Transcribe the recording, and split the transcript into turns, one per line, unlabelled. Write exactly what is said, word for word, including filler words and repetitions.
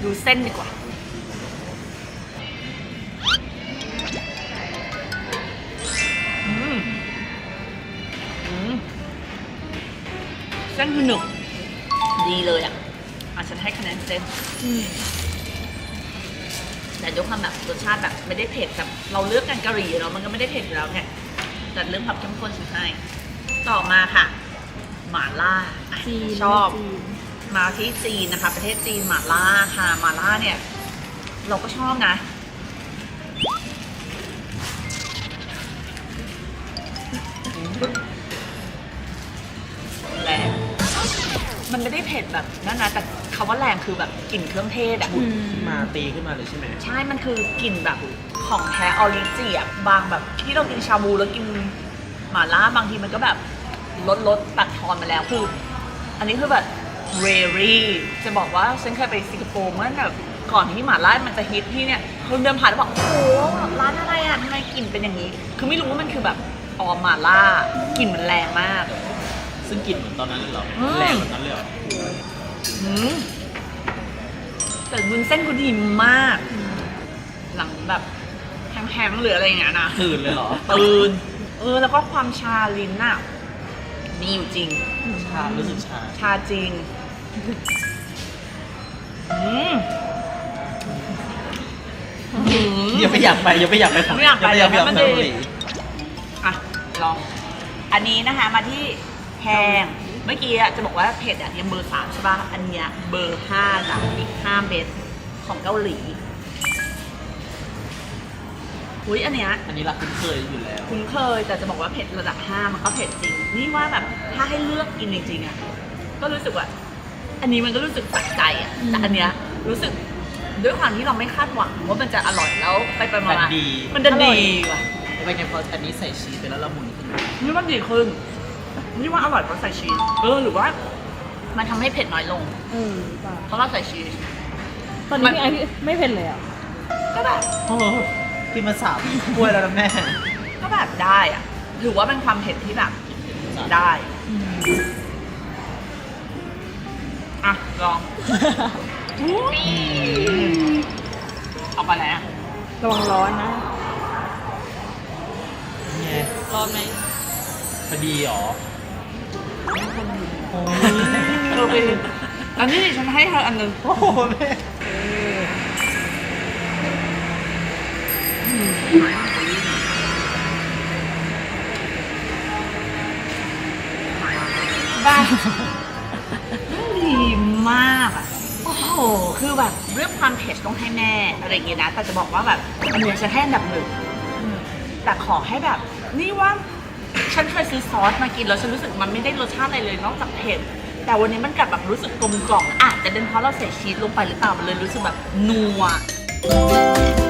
ดูเส้นดีกว่าอืมอืมเส้นคือหนึบดีเลยอ่ะอ่ะฉันให้คะแนนเส้นแต่ด้วยความแบบรสชาติแบบไม่ได้เผ็ดแบบเราเลือกกันกะหรี่เนาะมันก็ไม่ได้เผ็ดอยู่แล้วไงแต่เรื่องความเข้มข้นฉันให้ต่อมาค่ะหม่าล่า
จีน
ชอบ
จีน
มาที่จีนนะคะประเทศจีนหม่าล่าค่ะหม่าล่าเนี่ยเราก็ชอบนะแรงมันไม่ได้เผ็ดแบบนั่นนะแต่คำว่าแรงคือแบบกลิ่นเครื่องเทศอะ
อืม
ขึ้นมาตีขึ้นมาเลยใช่ไหม
ใช่มันคือกลิ่นแบบของแท้ออริจิอะบางแบบที่เรากินชาบูแล้วกินหม่าล่าบางทีมันก็แบบลดลดตัดทอนมาแล้วคืออันนี้คือแบบเรรี่จะบอกว่าฉันเคยไปสิงคโปร์เมื่อแบบก่อนที่หม่าล่ามันจะฮิตที่เนี่ยคนเดินผ่านแล้วบอกโอ้โหร้านอะไรอ่ะทำไมกลิ่นเป็นอย่างนี้ คือไม่รู้ว่ามันคือแบบออมหม่าล่ากลิ่นมันแรงมาก
ซึ่งกลิ่นเหมือนตอนนั้นเลยเหรอ
อืม
แรงเหมือนนั้นเลยเหรอ
อืมแต่วุ้นเส้นกูดีมาก หลังแบบแห้งๆหรืออะไรอย่างเงี้ยนะ
ตื่นเลยเหรอ
ตื่นเออแล้วก็ความชาลิ้นน่ะมีอยู่จริง
ชารู้สึกชา
ชาจริงอืมอืม
อย่าไปอยากไปอย่าไปอยากไปของ
ไม่อยากไป
อย่าไปอยาก
แต่
ไป
มัน
เกา
ดี
หลี
อ่ะ ลอง อันนี้นะคะมาที่แห้งเมื่อกี้อะจะบอกว่าเผ็ดอ่ะยังเบอร์สามใช่ป่ะ อันเนี้ยเบอร์ห้าจ้ะอีกห้าเบสของเกาหลีอุ้ยอันเนี้ย
อันนี้เราคุ้นเคยอยู่แล้ว
คุ้นเคยแต่จะบอกว่าเผ็ดระดับห้ามันก็เผ็ดจริง นี่ว่าแบบถ้าให้เลือกกินจริงๆอ่ะก็รู้สึกว่า อันนี้มันก็รู้สึกตัดใจอ่ะแต่อันเนี้ยรู้สึกด้วยความที่เราไม่คาดหวังว่ามันจะอร่อยแล้วไปไปมา
มันดี
มันจะดีว่ะ
เป็นไงพออันนี้ใส่ชีสไปแล้วละมุนขึ้น
นี่ว่าดีขึ้นนี่ว่าอร่อยเพราะใส่ชีสเออหรือว่า มันทำให้เผ็ดน้อยลง
เออเปล่า
เพราะเราใส่ชีส
ตอนนี้พี่ไอพี่ไม่เผ็ดเลยอ่ะ
ก็แบบ
โอ้โหกินมาสามถ้วยแล้วนะแม่
ก็แบบได้อ่ะถือว่าเป็นความเผ็ดที่แบบได้ อ่ะ ลองเอาไปแล้ว
ระวังร้อนนะ
ไง
ร้อนไหม
พอดีเหรอโอ้ย
เธอไปอันนี้ฉันให้เธออันหนึง
โอ้โหแม่
บ้าดีมากอ่ะ โอ้โห คือแบบเรื่องความเผ็ดต้องให้แม่อะไรอย่างเงี้ยนะ แต่จะบอกว่าแบบอันเนี้ยฉันให้อันดับหนึ่งแต่ขอให้แบบ นี่ว่า ฉันเคยซื้อซอสมากินแล้วฉันรู้สึกมันไม่ได้รสชาติอะไรเลยนอกจากเผ็ด แต่วันนี้มันกลับแบบรู้สึกกลมกล่อมอาจจะเป็นเพราะเราใส่ชีสลงไปหรือเปล่า มันเลยรู้สึกแบบนัว